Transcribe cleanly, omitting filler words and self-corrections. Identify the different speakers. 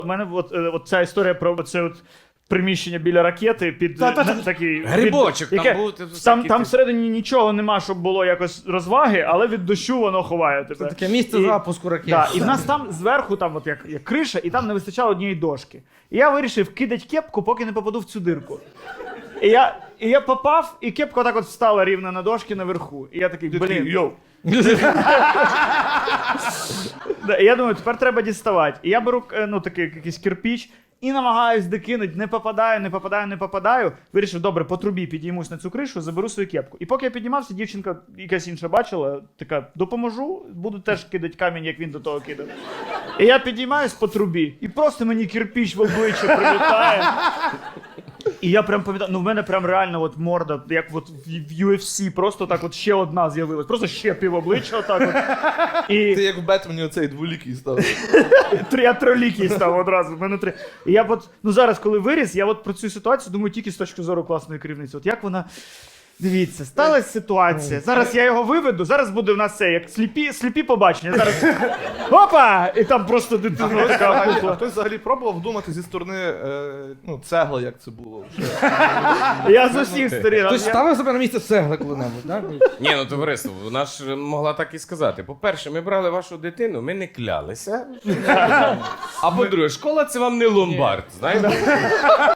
Speaker 1: У мене от ця історія про це от приміщення біля ракети під такий...
Speaker 2: Грибочок, там був...
Speaker 1: Там всередині нічого нема, щоб було якось розваги, але від дощу воно ховає тебе.
Speaker 3: Це таке місце запуску ракет.
Speaker 1: Да, і в нас там зверху, там от як криша, і там не вистачало однієї дошки. І я вирішив кидати кепку, поки не попаду в цю дирку. І я попав, і кепка так от встала рівно на дошки наверху. І я такий, блін, йоу. І я думаю, тепер треба діставати. І я беру такий якийсь кирпіч і намагаюсь докинути, не попадаю. Вирішив, добре, по трубі підіймусь на цю кришу, заберу свою кепку. І поки я піднімався, дівчинка якась інша бачила, така, допоможу, буду теж кидати камінь, як він до того кидав. І я підіймаюсь по трубі, і просто мені кирпіч в обличчя прилітає. І я прям пам'ятаю, в мене прям реально от морда, як от в UFC, просто так от ще одна з'явилась. Просто ще пів обличчя отак от. І...
Speaker 4: Ти як в Бетмені оцей дволікий став.
Speaker 1: Я тролікий став одразу, в мене 3. І я от, зараз, коли виріс, я от про цю ситуацію думаю тільки з точки зору класної керівниці. От як вона... Дивіться, сталася ситуація. Зараз я його виведу, зараз буде в нас це, як сліпі побачення. Зараз опа! І там просто дитина така пухла.
Speaker 4: Хтось взагалі пробував вдумати зі сторони цегла, як це було?
Speaker 1: Я з усіх сторін.
Speaker 3: Хтось ставив себе на місце цегли коли-небудь, так?
Speaker 2: Ні, ну товариство, вона ж могла так і сказати. По-перше, ми брали вашу дитину, ми не клялися. А по-друге, школа це вам не ломбард, знаєте?